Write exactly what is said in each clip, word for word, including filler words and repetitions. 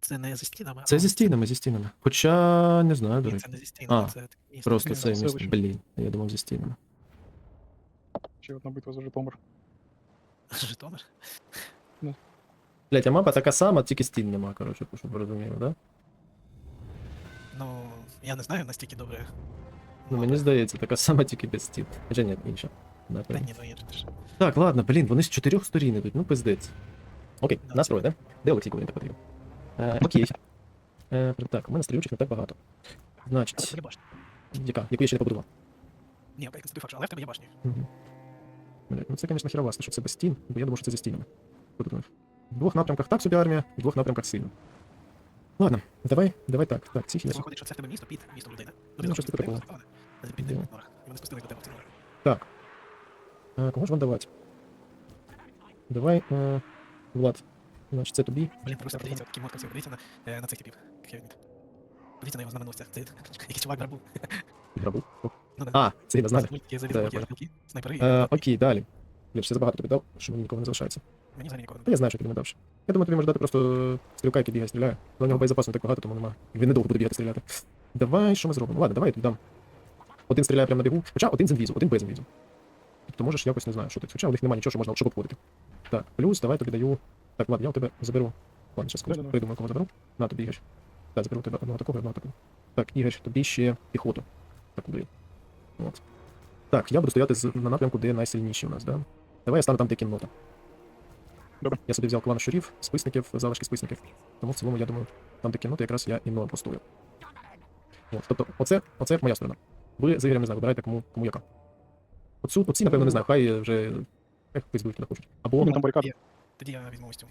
Це не зі стінами, Це а зі стінами, зі стінами. Хоча, не знаю, до Ні, речі. це не зі стінами, А, це таке місце. Просто Ні, це це місто. лише. Блін, я думав зі стінами. Ще одна битва за Житомир. Житомир? Блять, а мапа така сама, тільки стін нема, коротше, щоб ви розуміли, да? Ну, я не знаю настільки добре. Ну мені здається, така сама, тільки без стін. Хоча ні, інша. Та Напевно. ні, ну є ж. Так, ладно, блін, вони з чотирьох сторін ідуть, ну пиздець. Окей, Да. настрой, да? Де Олексій, коли він так потрібен? Е, окей. Е, так, у мене стрілючих не так багато. Значить, Це башня. яка? Яку я ще не побудував? Ні, окей, це факт, але в тебе є башні. Угу. Блядь, ну це, звісно, херовасно, що це без стін, бо я думав, що це зі стінами. Що ти думаєш? В двох напрямках так собі армія, в двох напрямках сильно. Ладно, давай, давай так. Так, ці Це хіба. виходить, що це в тебе місто під містом людей, да? Ну, щось типу такого. Це під Да. ними норах. І вони спустили до тебе в ці нори. Так. Е, кому ж вам давати? Давай, е, Влад. Значить, це тобі. Блін, просто подивіться, такий мод красивий. Подивіться на, е, на цих типів. Як я відмітив. Подивіться на його знаменосця. Це якийсь чувак барбу. Грабу. Ну, да. А, це я знаю. Мультики, Да, завіси, я блоки, понял. стрілки, снайпери. Е, окей, далі. Я ж ще забагато тобі дав, що мені нікого не залишається. Мені взагалі нікого не Та я знаю, що тобі не дав ще. Я думаю, тобі може дати просто стрілка, який бігає, стріляє. Але у нього боєзапасу не так багато, тому нема. Він недовго буде бігати стріляти. Давай, що ми зробимо? Ладно, давай я тобі дам. Один стріляє прямо на бігу, хоча один з інвізу, один без інвізу. Тобто можеш якось, не знаю, що ти. Хоча у них немає нічого, що можна щоб обходити. Так, плюс, давай тобі даю. Так, ладно, я у тебе заберу. Ладно, зараз Да-да-да. придумаю, кого заберу. На, тобі Ігор. Так, заберу у тебе одного такого і одного такого. Так, Ігор, тобі ще піхоту. Так, даю. От. Так, я буду стояти з, на напрямку, де найсильніші у нас, да? Давай я стану там, де кіннота. Добре. Я собі взяв клан щурів, списників, залишки списників. Тому в цілому, я думаю, там, де кіннота, якраз я і мною постою. От, тобто, оце, оце моя сторона. Ви з Ігорем, не знаю, вибирайте, кому, кому яка. Оцю, оці, напевно, не знаю, хай вже... Хай пиздують, куди хочуть. Або... Ну, там барикади. Є. Тоді я візьму ось цю.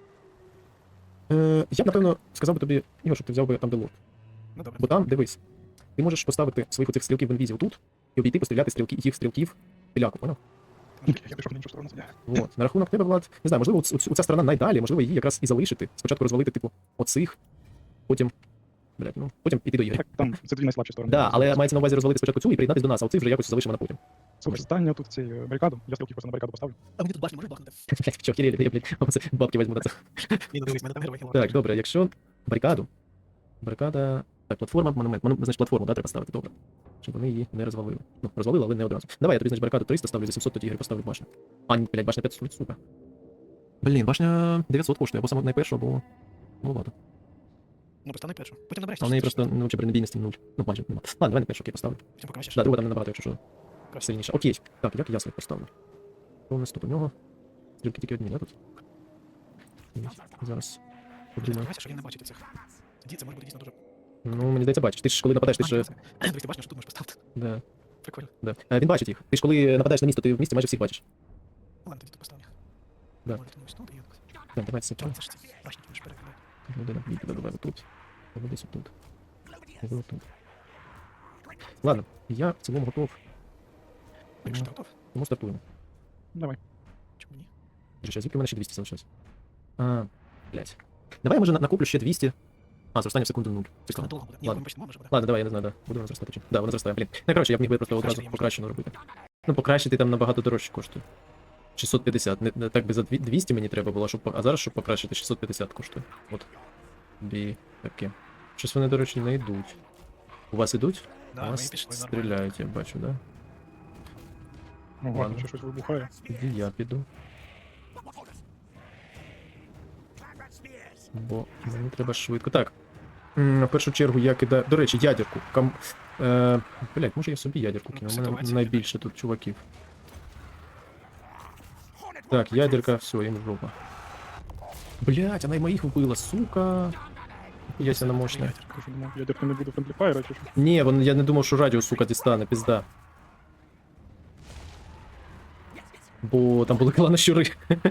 Е, я б, напевно, сказав би тобі, Ігор, щоб ти взяв би там, де лорд. Ну добре. Бо там, дивись, ти можеш поставити своїх оцих стрілків в інвізі отут і обійти, постріляти стрілки, їх стрілків піляку, поняв? Я пішов на іншу сторону. Вот. На рахунок тебе, Влад, не знаю, можливо, оцю, оця сторона найдалі, можливо, її якраз і залишити. Спочатку розвалити, типу, оцих, потім. Блядь, ну, потім піти до Ігоря. Так, там це дві найслабші сторони. Да, але мається на увазі розвалити спочатку цю і приєднатися до нас, а оцих вже якось залишимо на потім. Слухай, стань тут цей е, барикаду. Я стрілки просто на барикаду поставлю. А мені тут башню можеш бахнути? Блядь, що, хірі, я, блядь, оце бабки візьму на це. Ні, ну дивись, мене там герой хіло. Так, добре, якщо барикаду. Барикада. Так, платформа, монумент. Мону... Значить, платформу, да, треба ставити, добре. Щоб вони її не розвалили. Ну, розвалили, але не одразу. Давай, я тобі, значить, барикаду триста ставлю, за сімсот тоді Ігор поставлю башню. А, ні, блядь, башня п'ятсот, сука. Блін, башня дев'ятсот коштує, або саме найпершу, або... Ну, ладно. Ну, постав на першу. Потім набереш. А в неї просто, ну, чи бронебійності нуль. Ну, майже нема. Ладно, давай на першу, окей, поставлю. Потім покращиш. Да, друга там не набагато, якщо що. Сильніше. Окей. Так, як я своїх поставлю? Що у нас тут у нього? Стрілки тільки одні, да, тут? Зараз. Ти Подумаю. сподівайся, що він не бачить цих. Тоді це може бути дійсно дуже... Ну, мені здається, бачиш. Ти ж коли нападаєш, ти ж... Дивись, ти бачиш, що тут можеш поставити. Да, Прикольно. да. Е, він бачить їх. Ти ж коли нападаєш на місто, ти в місті майже всіх бачиш. Ну ладно, тоді тут поставлю. Да. Може, тому ось тут і якось. Так, давай це. Чому це ж ці башні можеш перекидати? Людина, бій тебе давай отут. Або десь отут. Або отут. Ладно, я в цілому готов. Якщо ти готов, Тому стартуємо. Давай. чому ні? Вже ще звідки в мене ще двісті залишилось? А, блядь. Давай я може на- накоплю ще двісті. А, зростання в секунду нуль. Це Цікаво. надовго буде. Ні, Ладно. ми почнемо, може буде. Ладно, давай, я не знаю, да. Буду зростати чи. Да, воно зростає, блін. Ну, коротше, я б міг би просто одразу Покращити я можу. покращено робити. Ну, покращити там набагато дорожче коштує. шістсот п'ятдесят. Не, не так би за дві- двісті мені треба було, щоб. по- А зараз, щоб покращити, шістсот п'ятдесят коштує. От. Бі. Таке. Щось вони, до речі, не йдуть. У вас ідуть? У Да, ми вас пішли нормально. стріляють, я бачу, да? Ну, Ладно. ладно, ще щось вибухає. Тоді я піду. Бо мені треба швидко. Так. М, В першу чергу я кидаю. До речі, ядерку. Кам... Е... Блять, може я собі ядерку кину? У мене Ситуація найбільше тут чуваків. Так, ядерка, все, їм жопа. Блять, вона й моїх вбила, сука. Яся на мощна. Я що думав, ядерки не буде френдліфайра чи що? Ні, вон, я не думав, що радіо, сука, дістане, пізда. Бо там були клани щури.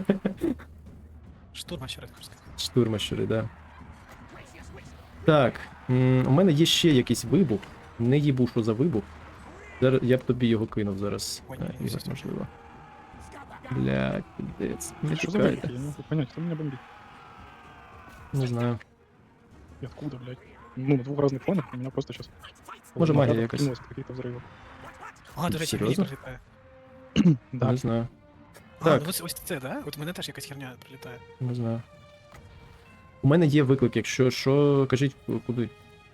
Штурма ще раз хочу сказати. Штурмащури, да. Так, м, у мене є ще якийсь вибух. Не їбу, що за вибух. Зараз я б тобі його кинув зараз. Ой, Е, ні, Ігор, все, можливо. Блядь, пиздець. Не Що за вибухи? чекайте. Я не можу понять, хто мене бомбить? Не знаю. И откуда, блядь? Ну, на двух разных фонах у меня просто сейчас... Може, магія якась. Какие-то взрывы. А, до речі, мені Серйозно? прилітає. Да. Не знаю. А, Так. ну ось, ось це, да? От у мене теж якась херня прилітає. Не знаю. У мене є виклик, якщо що, кажіть куди.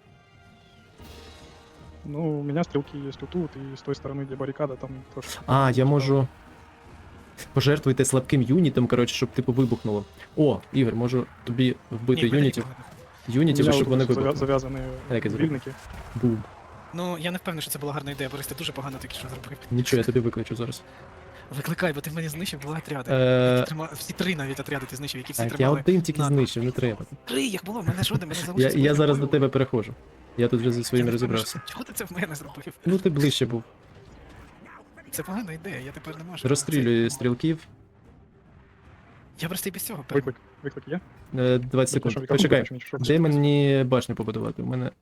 Ну, у меня стрелки есть вот тут, и с той стороны, где баррикада, там тоже... А, я можу. Пожертвуйте слабким юнітом, коротше, щоб типу вибухнуло. О, Ігор, можу тобі вбити Ні, в мене юнітів. нікого не- У Юнітів, меня щоб вот вони завя- вибухнули. завязаны Як я зроблю? вильники. Бум. Ну, я не впевнений, що це була гарна ідея, Борис, ти дуже погано тільки що зробив. Нічого, я тобі викличу зараз. Викликай, бо ти в мене знищив два отряди. Е, Які трима- Всі три навіть отряди ти знищив, які всі Так, я тримали. один тільки на- знищив, не треба. Три їх було, в мене жоден, мене Я, залишилось. я зараз до половина. тебе переходжу. Я тут вже зі Я своїм не розібрався. впевнений, Чого ти це в мене зробив? Ну ти ближче був. Це погана ідея, я тепер не можу. Розстрілюю Це- стрілків. Я просто і без цього певно. Виклик. Виклик є? Е, двадцять секунд. Щоб вікно Почекай. побачив, нічого. Де мені башню побудувати? У мене.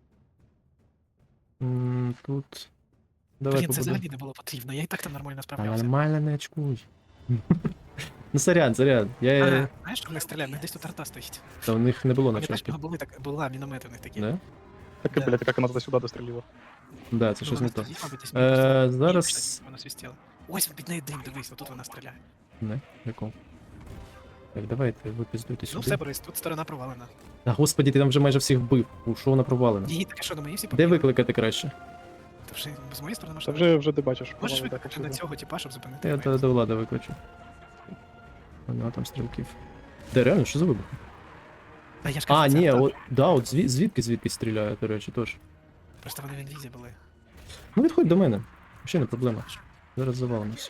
М, Тут. Давай Блін, це побудуємо. взагалі не було потрібно, я і так там нормально Та справлявся. нормально не очкуй. Ну сорян, сорян. Я. А, знаєш, що в них стріляє? В них десь тут арта стоїть. Та у них не було Пам'ятаєш, начальки. в нього були так, була міномети в них такі. Да? Так, Да. блядь, как она туда-сюда дострелила. Да, це Ну, щось вона не то. стоїть, мабуть, десь Е, мені просто- зараз- Ні, кстати, вона свистіла. Ось під нею дим, дивись, отут вона стріляє. Не, прикол. Так, давайте, ви пиздуйте Ну сюди. все, Борис, тут сторона провалена. Та господі, ти там вже майже всіх вбив. У що вона провалена? Її таке що, на мої всі Де побігли? викликати краще? Та вже з моєї сторони Та можна. вже, вже ти бачиш. Можеш провали, так, викликати на повсюди. цього типа, щоб зупинити. Я мене? до, до влади викличу. У нього там стрілків. Де, реально, що за вибух? Та я ж кажу, А, це ні, арта. от, да, от звід, звідки звідки стріляє, до речі, теж. Просто вони в інвізі були. Ну відходь до мене. Ще не проблема. Зараз завалимо все.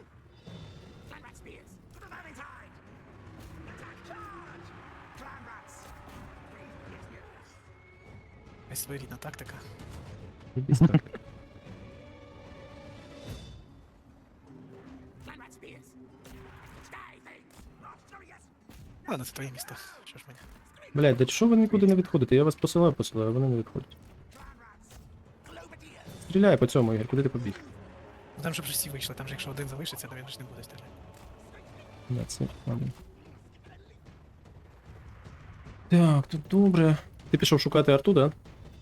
Ось своєрідна тактика. Ібісь так. Ладно, це твоє місто. Що ж мені? Блядь, да що ви нікуди не відходите? Я вас посилаю, посилаю, а вони не відходять. Стріляй по цьому, Ігор, куди ти побіг? Ну там же вже всі вийшли, там же якщо один залишиться, то він ж не буде стріляти. Да, це ладно. Так, тут добре. Ти пішов шукати арту, да?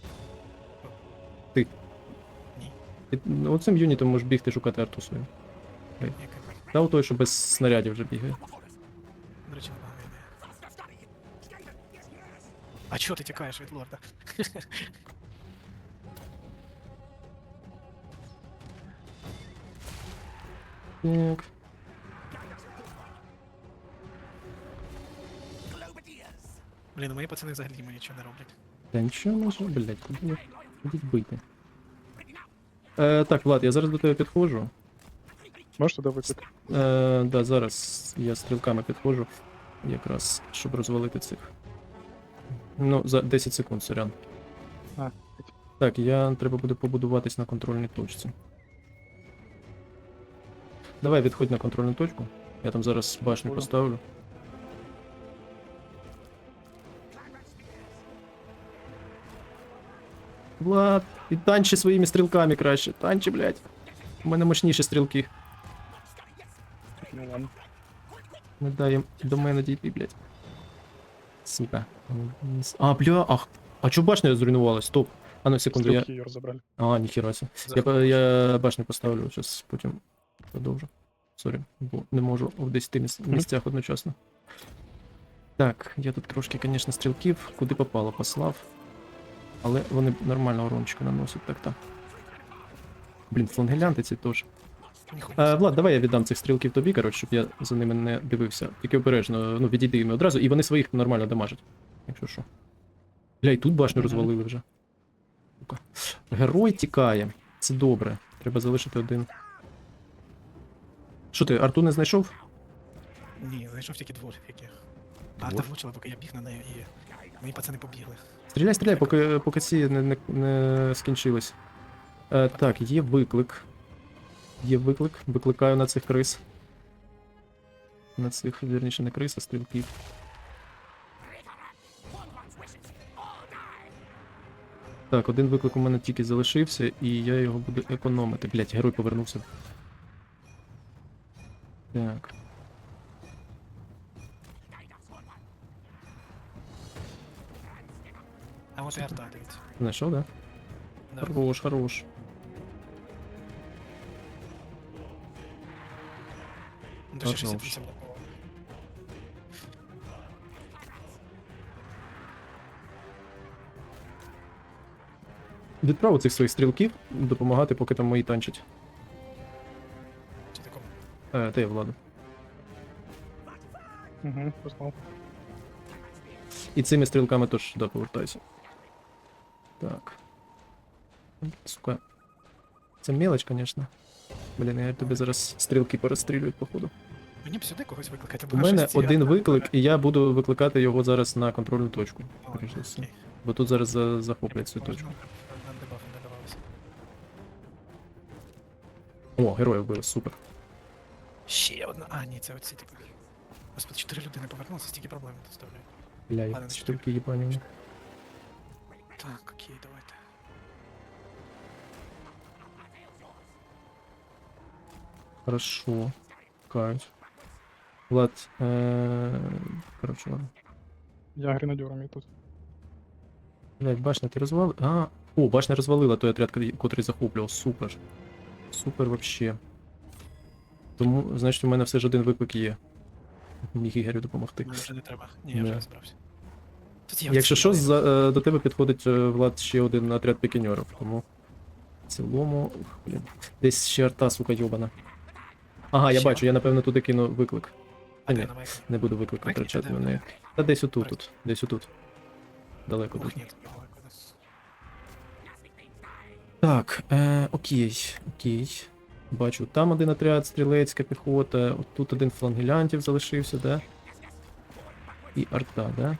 Ти. Ні. Ти ну, оцим юнітом можеш бігти шукати арту свою. Яка? Та у той, що без снарядів вже бігає. До речі, непогана ідея. А чого ти тікаєш від лорда? Так. Блін, ну мої пацани взагалі йому нічого не роблять. Та нічого може, блядь, куди ви? Ходіть бити. Е, так, Влад, я зараз до тебе підходжу. Можеш туди виклик? Е, да, зараз я стрілками підходжу. Якраз, щоб розвалити цих. Ну, за десять секунд, сорян. А, Так, я треба буде побудуватись на контрольній точці. Давай відходь на контрольну точку. Я там зараз башню Понял. поставлю. Влад, і танчи своїми стрілками краще. Танчи, блядь. У мене мощніші стрілки. ну ладно. Не дай їм до мене дійти, блядь. Сука. А, бля, ах. А чо башня зруйнувалась? Стоп. А ну секунду, я. Стрелки ее разобрали. А, ніхера себе. Я, по- я башню поставлю, зараз потім продовжу. Сорі, бо не можу в десяти міс- місцях одночасно. Так, я тут трошки, звісно, стрілків, куди попало, послав. Але вони нормально урончика наносять, так так. Блін, флангелянти ці теж. Ніхуя. А, Влад, давай я віддам цих стрілків тобі, коротше, щоб я за ними не дивився. Тільки обережно, ну, відійди їм одразу, і вони своїх нормально дамажать. Якщо що. Бля, і тут башню Мгм. розвалили вже. Сука. Герой тікає. Це добре. Треба залишити один. Що ти, арту не знайшов? Ні, знайшов тільки двох яких. А Двох? та влучила, поки я біг на неї, і мої пацани побігли. Стріляй, стріляй, поки, поки ці не, не, не скінчились. Е, так, є виклик. Є виклик. Викликаю на цих крис. На цих, вірніше, не крис, а стрілків. Так, один виклик у мене тільки залишився, і я його буду економити. Блять, герой повернувся. Так. А от і арта, дивіться. Знайшов, да? Да. Хорош, хорош. Ну, то ще Хорош. шістдесят вісім було. відправив цих своїх стрілків допомагати, поки там мої танчать. Чи такому? Е, та я владу. Угу, послав. І цими стрілками теж да, повертайся. Так. Сука. Це мелоч, звісно. Блін, я тобі зараз стрілки перестрілюють, походу. Мені б сюди когось викликати, У бо мене щось ці один гранати виклик, бере. і я буду викликати його зараз на контрольну точку. О, скоріш за все. окей. Бо тут зараз за- захоплять цю Можна, точку. Нам дебафи не давалися. О, героя вбили, супер. Ще одна. А, ні, це оці типу. Господи, чотири людини повернулися, стільки проблем доставляють. Бля, Ладно, як значить, стрілки їбані. Так, окей, давайте. Хорошо. Каюсь. Влад, е... короче, ладно. Я гренадером і тут. Блять, башня ти розвалила? А, о, башня розвалила той отряд, котрий- котрий захоплював. Супер. Супер вообще. Тому, значить, у мене все ж один виклик є. Міг Ігорю допомогти. Мені вже не треба. Ні, я Да. вже розбрався. Тут є Якщо оці що, люди. за, е, до тебе підходить е, Влад ще один отряд пікіньорів, тому в цілому. Ух, блін. Десь ще арта, сука, йобана. Ага, я Ще? бачу, я напевно туди кину виклик. А, А де ні, на майку? не буду виклик Виклик витрачати іде, на неї. окей. Та десь отут, тут, десь отут. Далеко Ух, тут. ні, тут далеко десь. Так, е, окей, окей. Бачу, там один отряд, стрілецька піхота, от тут один флангелянтів залишився, да? І арта, да?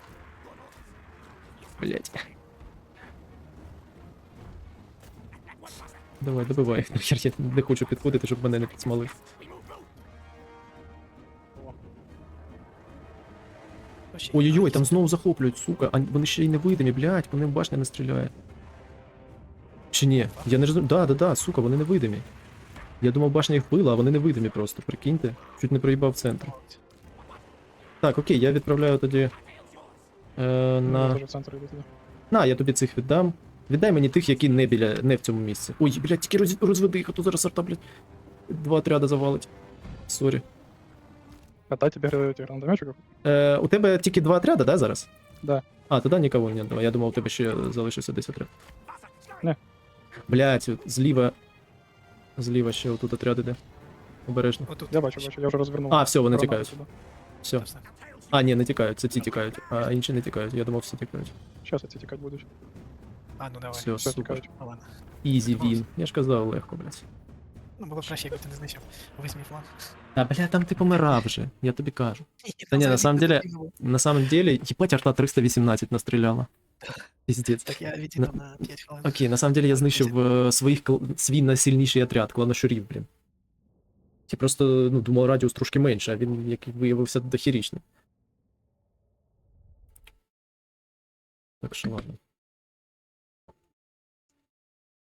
Блять. Давай, добивай. Нахер, я не хочу підходити, щоб мене не підсмалив. О, ще Ой-ой-ой, одна. там знову захоплюють, сука. А вони ще й невидимі, блять, вони в башня не стріляють. Чи ні? Я не розумію. Да, да, да, сука, вони невидимі. Я думав, башня їх вбила, а вони невидимі просто, прикиньте. Чуть не проїбав центр. Так, окей, я відправляю тоді. Е, Я на... теж в центр йду туди. на, я тобі цих віддам. Віддай мені тих, які не біля, не в цьому місці. Ой, блядь, тільки роз... розведи їх, а то зараз арта, блядь. Два отряда завалить. Сорі. А дай тебе эти гранатометчиков? Е, у тебе тільки два отряда, да, зараз? Да. А, тоді нікого не давай. Я думав, у тебе ще залишився десь отряд. Не. Блядь, от зліва. Зліва ще отут отряд іде. Обережно. Отут. Я бачу, бачу, я вже розвернув. А, все, вони гранату тікають. туди. Все. Все. А, ні, не тікають, це ті тікають, а інші не тікають. Я думав, всі тікають. Щас ці тікати будуть. А, ну давай. Все, Все супер. тікають. Ну ладно. Ізі він. Я ж казав, легко, блядь. Ну було б краще, якби ти не знищив весь мій фланг. Та, бля, там ти помирав вже, я тобі кажу. Та Та ні, на самом деле, на самом деле, їбать, арта триста вісімнадцять настріляла. Піздець. Так я відійду на п'ять хвилин. Окей, на самом деле я знищив е, своїх, кл- свій найсильніший отряд, кланошурів, блін. Я просто, ну, думав, радіус трошки менше, а він, як виявився, дохерічний. Так що ладно.